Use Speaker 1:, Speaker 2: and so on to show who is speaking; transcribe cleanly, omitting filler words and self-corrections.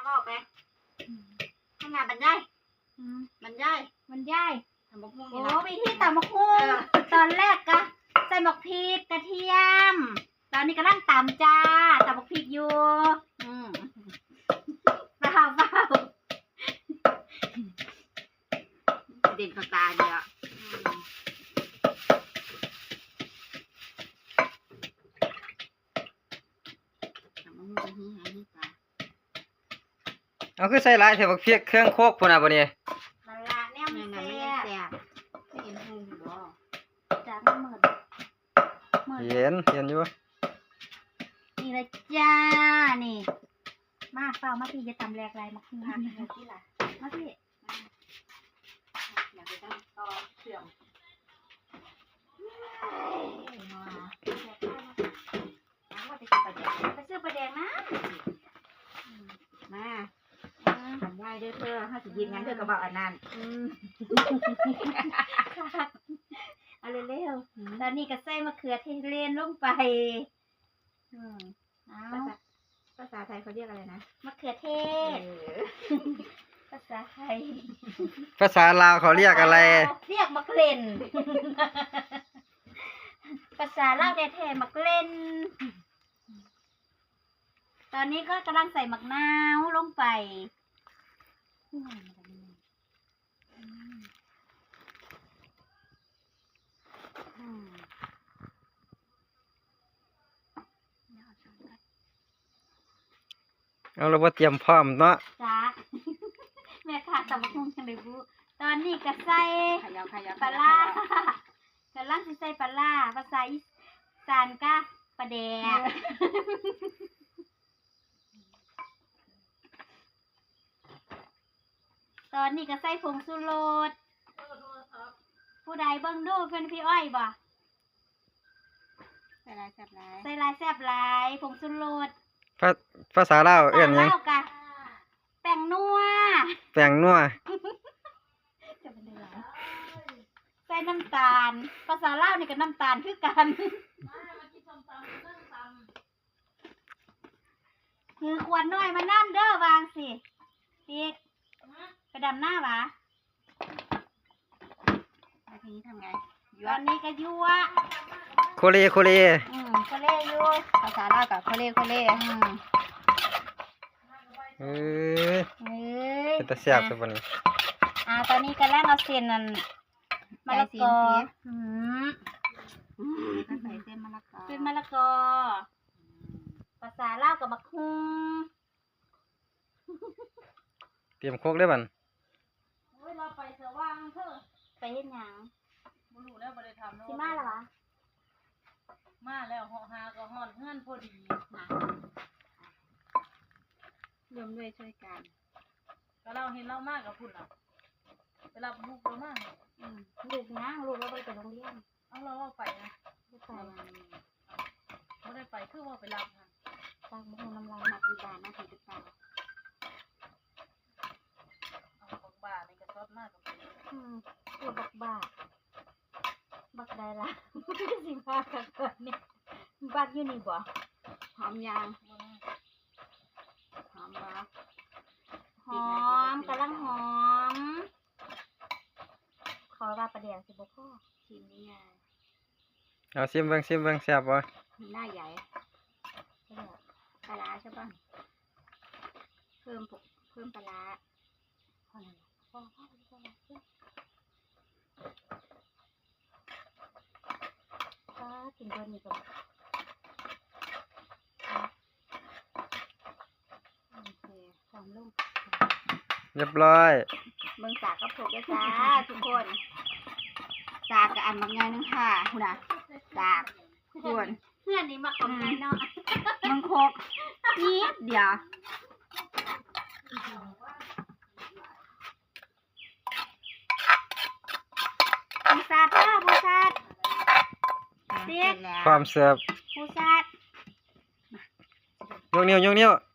Speaker 1: พ่อไปขนาดบรรยายบรรยายทำบักหุ่ง
Speaker 2: โอ้วิธีตำบักหุ่งตอนแรกก็ใส่บักพริกกระเทียมตอนนี้กำลังตำจ้าตำบักพริกอยู่เปล่า
Speaker 1: เด่นตาเดียวทำบักหุ่งเป็นที่หายที่ตา
Speaker 3: เอาคือใส่หลายเถอะบักเพียกเครื่องโคกพุ่นน่ะบ่นี่
Speaker 2: นั่นละเนี่ยมัน
Speaker 1: ไม่
Speaker 2: แซ่
Speaker 1: ได้
Speaker 2: บ
Speaker 1: แซ่บไม่เห็นหุ่งบ่
Speaker 2: จ้ามันเหมือน
Speaker 3: เห็นอยู่
Speaker 2: นี่เลยจ้านี่มาเปล่ามาพี่จะตำแรกไรมาขึ้นมาที่ละมาพี่
Speaker 1: อยากไปตั้งต่อเสื่อม
Speaker 2: ไปซื้อปลาแดงนะ
Speaker 1: มาทำได้ด้วยเธอถ้าจะยินงั้นเธอก็บอกอันนั้น
Speaker 2: เอาเร็วๆตอนนี้ก็ใส่มะเขือเทศเลนลงไปเอา
Speaker 1: ภาษาไทยเขาเรียกอะไรนะ
Speaker 2: มะเขือเทศภาษาไทย
Speaker 3: ภาษาลาวเขาเรียกอะไร
Speaker 2: เรียกมะเขือภาษาลาวแท้ๆมะเขือตอนนี้ก็กำลังใส่มะนาวลงไป
Speaker 3: เอาเราบ่เตรียมพร้อมเนาะ
Speaker 2: จ้าแม่ค่ะตำบักหุ่งจังเลยบุตอนนี้ก็ใส่
Speaker 1: ขยาว
Speaker 2: ปลาล่ากำลังสิใส่ปลาล่าภาษาอีสานก็ปลาแดกตอนนี้ก็ใส่ผงชูรสผู้ใดเบิ่งดูเพิ่นพี่อ้อยบ่
Speaker 1: ใส่ลายแซ่บลาย
Speaker 2: ใส่ลายแซ่บหลายผงชูรส
Speaker 3: ภาษาลาวเอิ้นหยัง
Speaker 2: ลาวกะแป้งนัว
Speaker 3: แป้งนัว
Speaker 2: ใส่น้ำตาลภาษาลาวนี่ก็น้ำตาลคือกันคือขวดน้อยมานั่นเด้อวางสิติ๊กไปดำหน้าวะ
Speaker 1: แล้วทีนี้ทำไง
Speaker 2: ตอนนี้ก็ยั่ว
Speaker 3: โคเล
Speaker 2: ก็เล่อยู่
Speaker 1: ภาษาลาวกับโคเล่
Speaker 3: เอ้ย
Speaker 2: เอ้ย
Speaker 3: เป็นตาแซ่บซะบ่นี่
Speaker 2: ตอนนี้กำลังเอาเส้นนั่นมะละกอ
Speaker 1: ใส่เส้นมะละกอ
Speaker 2: เป็นมะละกอภาษาลาวกับมะคุง
Speaker 3: เตรียมโคกได้บัด
Speaker 2: เราไปเสือว่างเถอะไปเฮ็ดหยังบ่รู้แล้วบ่ได้ทำสิมาแล้ววะมาแล้วเหาะหาก็ฮ้อนเฮือนพอดีนะ
Speaker 1: รวมด้วยช่วยกัน
Speaker 2: ก็เราเห็นเรามากกับพุ่นล่ะไปรับลูกเรามากลูกนะลูกเราไปโรงเรียนเอาเราว่าไปนะไม่ไปไม่ได้ไปคือว่าไปรับค่ะตากบุ้งน้ำลาย
Speaker 1: มาที่บ้านมาที่บ้าน
Speaker 2: เอาบักบ่าในกระสอบมากกับคือบักบ่าบักได้ละสิมากันก่อนนี่บักอยู่นี่บ่
Speaker 1: หอมยางหอมบ่
Speaker 2: หอมกำลังหอมขอว่าประเดี๋ยวสิบ่พ่อ
Speaker 1: ชิมนี่ไง
Speaker 3: เอาชิมเบิ่งแซ่บบ่
Speaker 1: หน้าใหญ่ปลาร้าใช่ป่ะเพิ่มปลาร้า
Speaker 2: กินตัวนี้ก่อนโอเคหอมลูก
Speaker 3: เรียบร้อย
Speaker 1: เมืองสากกระปุกด้วยจ้าทุกคนสากกับอันบางอย่างนึงค่ะคุณน่ะสากส่วน
Speaker 2: เพื่อนนี่มาของไงเนาะ
Speaker 1: มังคกนิดเดียว
Speaker 2: ผู้ซาดเด้อผู้ซาด
Speaker 1: เสร็จแล้ว
Speaker 3: ความเสิร์ฟ
Speaker 2: ผู้ซาด
Speaker 3: ยกนิ้ว